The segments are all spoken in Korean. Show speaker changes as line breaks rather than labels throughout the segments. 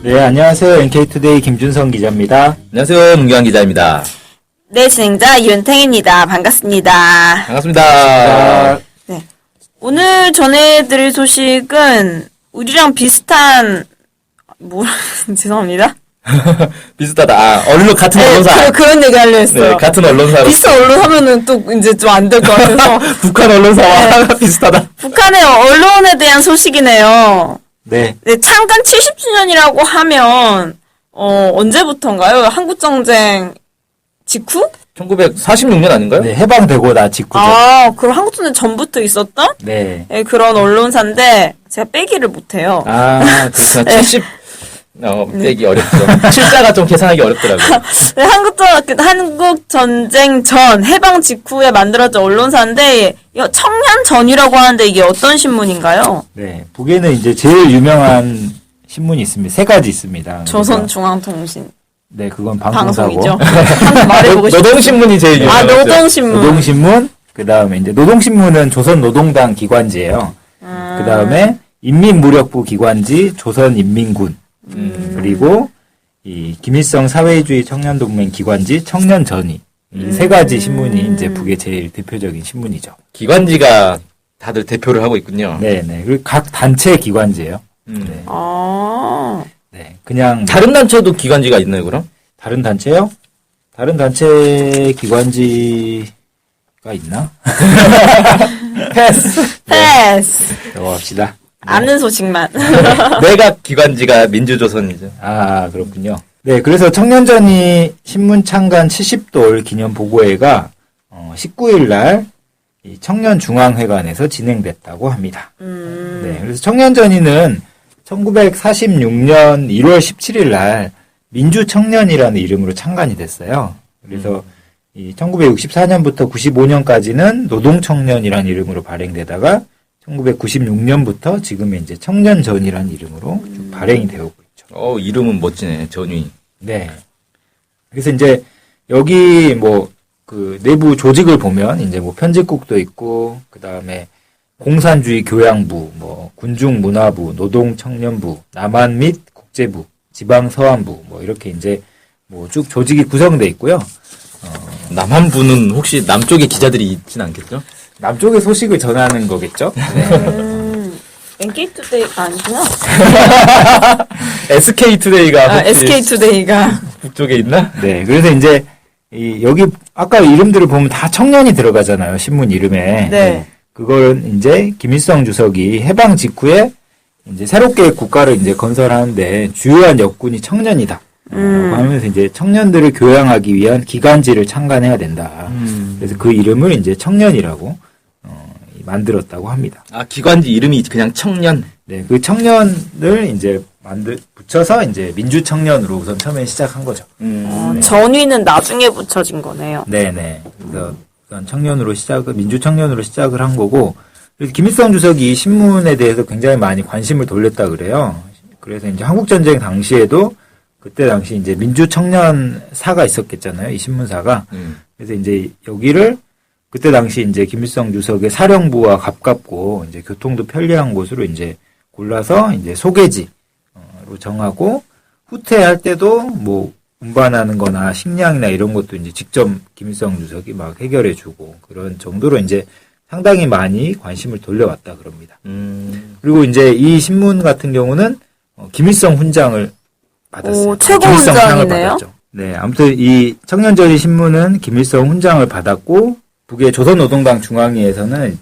네, 안녕하세요. NK투데이 김준성 기자입니다.
안녕하세요. 문경환 기자입니다.
네, 진행자 윤탱입니다. 반갑습니다.
반갑습니다.
네. 오늘 전해드릴 소식은 우리랑 비슷한, 죄송합니다.
비슷하다. 같은 언론사.
네, 그런 얘기 하려 했어요.
네, 같은 언론사로.
비슷한 언론 하면은 또 이제 좀 안 될 것 같아서.
북한 언론사와
네.
비슷하다.
북한의 언론에 대한 소식이네요.
네.
네, 창간 70주년이라고 하면, 언제부터인가요? 한국전쟁 직후?
1946년 아닌가요?
네, 해방되고 나 직후죠.
그럼 한국전쟁 전부터 있었던?
네.
네, 그런 언론사인데, 제가 빼기를 못해요.
그렇죠. 70, 빼기 어렵죠. 칠자가 좀 계산하기 어렵더라고요.
네, 한국전쟁 전, 해방 직후에 만들어진 언론사인데, 이거 청년전이라고 하는데 이게 어떤 신문인가요?
네. 북에는 이제 제일 유명한 신문이 있습니다. 세 가지 있습니다.
조선중앙통신.
네, 그건 방송사고.
방송이죠. 한번 말해보고 싶어요.
노동신문이 제일 유명하죠.
노동신문.
노동신문, 그 다음에 이제 노동신문은 조선노동당 기관지예요. 그 다음에 인민무력부 기관지 조선인민군. 그리고 이 김일성 사회주의 청년동맹 기관지 청년전이. 이 세 가지 신문이 이제 북의 제일 대표적인 신문이죠.
기관지가 다들 대표를 하고 있군요.
네네. 그리고 각 단체 기관지예요. 네. 네. 그냥
다른 단체도 기관지가 있나요, 그럼?
다른 단체요? 다른 단체 기관지가 있나?
패스.
패스.
넘어갑시다.
아는 소식만.
내가 기관지가 민주조선이죠.
그렇군요. 네, 그래서 청년전이 신문 창간 70돌 기념 보고회가 19일 날 이 청년중앙회관에서 진행됐다고 합니다. 네, 그래서 청년전이는 1946년 1월 17일 날 민주청년이라는 이름으로 창간이 됐어요. 그래서 이 1964년부터 95년까지는 노동청년이라는 이름으로 발행되다가 1996년부터 지금의 이제 청년전이라는 이름으로 쭉 발행이 되고 있죠.
이름은 멋지네, 전위.
네. 그래서 이제 여기 그 내부 조직을 보면 이제 편집국도 있고, 그 다음에 공산주의 교양부, 군중문화부, 노동청년부, 남한 및 국제부, 지방서안부, 이렇게 이제 쭉 조직이 구성돼 있고요.
남한부는 혹시 남쪽에 기자들이 있진 않겠죠?
남쪽의 소식을 전하는 거겠죠? 네.
NK투데이가 아니구나.
SK투데이가
SK투데이가.
북쪽에 있나?
네. 그래서 이제 여기 아까 이름들을 보면 다 청년이 들어가잖아요. 신문 이름에.
네.
그걸 이제 김일성 주석이 해방 직후에 이제 새롭게 국가를 이제 건설하는데 주요한 역군이 청년이다. 라고 하면서 이제 청년들을 교양하기 위한 기관지를 창간해야 된다. 그래서 그 이름을 이제 청년이라고 만들었다고 합니다.
기관지 이름이 그냥 청년?
네, 그 청년을 이제 붙여서 이제 민주청년으로 우선 처음에 시작한 거죠.
네. 전위는 나중에 붙여진 거네요.
네네. 그래서 우선 청년으로 민주청년으로 시작을 한 거고, 그래서 김일성 주석이 이 신문에 대해서 굉장히 많이 관심을 돌렸다 그래요. 그래서 이제 한국전쟁 당시에도 그때 당시 이제 민주청년사가 있었겠잖아요. 이 신문사가. 그래서 이제 여기를 그때 당시 이제 김일성 주석의 사령부와 가깝고 이제 교통도 편리한 곳으로 이제 골라서 이제 소개지로 정하고, 후퇴할 때도 운반하는 거나 식량이나 이런 것도 이제 직접 김일성 주석이 막 해결해 주고 그런 정도로 이제 상당히 많이 관심을 돌려왔다 그럽니다. 그리고 이제 이 신문 같은 경우는 김일성 훈장을 받았어요.
최고
김일성 상을
훈장이네요.
받았죠. 네, 아무튼 이 청년전이 신문은 김일성 훈장을 받았고, 북의 조선노동당 중앙위에서는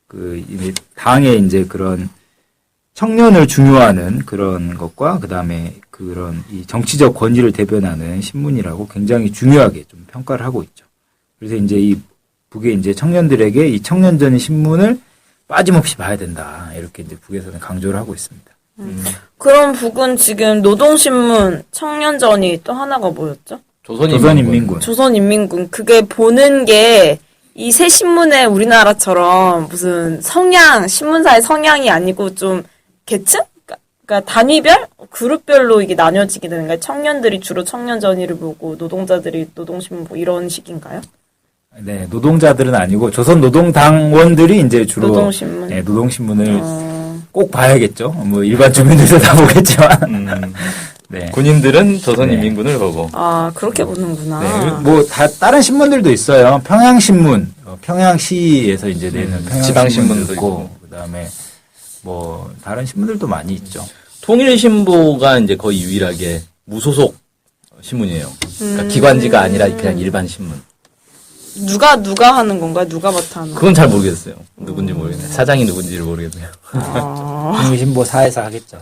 당의 이제 그런 청년을 중요하는 그런 것과 그다음에 그런 이 정치적 권위를 대변하는 신문이라고 굉장히 중요하게 좀 평가를 하고 있죠. 그래서 이제 이 북의 이제 청년들에게 이 청년전의 신문을 빠짐없이 봐야 된다. 이렇게 이제 북에서는 강조를 하고 있습니다.
그럼 북은 지금 노동신문, 청년전이 또 하나가 뭐였죠?
조선인민군.
조선인민군. 그게 보는 게 이 새 신문에 우리나라처럼 무슨 신문사의 성향이 아니고 좀 계층? 그러니까 단위별? 그룹별로 이게 나뉘어지게 되는 거예요. 청년들이 주로 청년전의를 보고 노동자들이 노동신문 보고 이런 식인가요?
네, 노동자들은 아니고 조선노동당원들이 이제 주로
노동신문.
네, 노동신문을 꼭 봐야겠죠. 뭐 일반 주민들도 다 보겠지만 네.
군인들은 조선인민군을 보고.
아, 그렇게 보는구나.
네, 뭐 다른 신문들도 있어요. 평양신문, 평양시에서 이제 내는 평양신문도
지방신문도
있고, 그다음에 뭐 다른 신문들도 많이 있죠.
통일신보가 이제 거의 유일하게 무소속 신문이에요. 그러니까 기관지가 아니라 그냥 일반 신문.
누가 하는 건가요? 누가 맡아 하는 건가요?
그건 잘 모르겠어요. 누군지 모르겠네요. 사장이 누군지를 모르겠네요.
통일신보 사에서 하겠죠.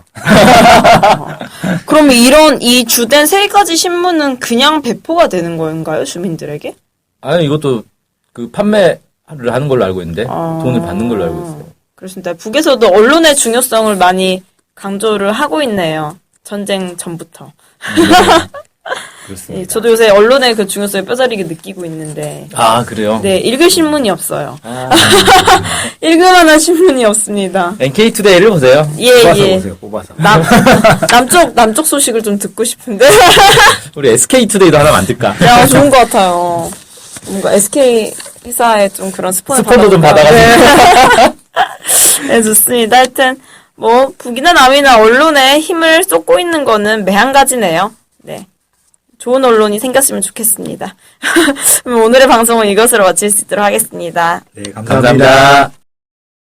그러면 이 주된 세 가지 신문은 그냥 배포가 되는 건가요? 주민들에게?
아니, 이것도 그 판매를 하는 걸로 알고 있는데, 돈을 받는 걸로 알고 있어요.
그렇습니다. 북에서도 언론의 중요성을 많이 강조를 하고 있네요. 전쟁 전부터.
그렇습니다.
예, 저도 요새 언론의 그 중요성을 뼈저리게 느끼고 있는데,
아, 그래요?
네, 읽을 신문이 없어요. 읽을 만한 신문이 없습니다.
NK투데이를 보세요.
예,
뽑아서
예.
보세요. 뽑아서.
남쪽 소식을 좀 듣고 싶은데.
우리 SK투데이도 하나 만들까?
야, 좋은 것 같아요. 뭔가 SK 회사에 좀 그런
스폰도 좀
받아가지고. 네, 좋습니다. 하여튼, 뭐, 북이나 남이나 언론에 힘을 쏟고 있는 거는 매한가지네요. 네. 좋은 언론이 생겼으면 좋겠습니다. 그럼 오늘의 방송은 이것으로 마칠 수 있도록 하겠습니다.
네, 감사합니다.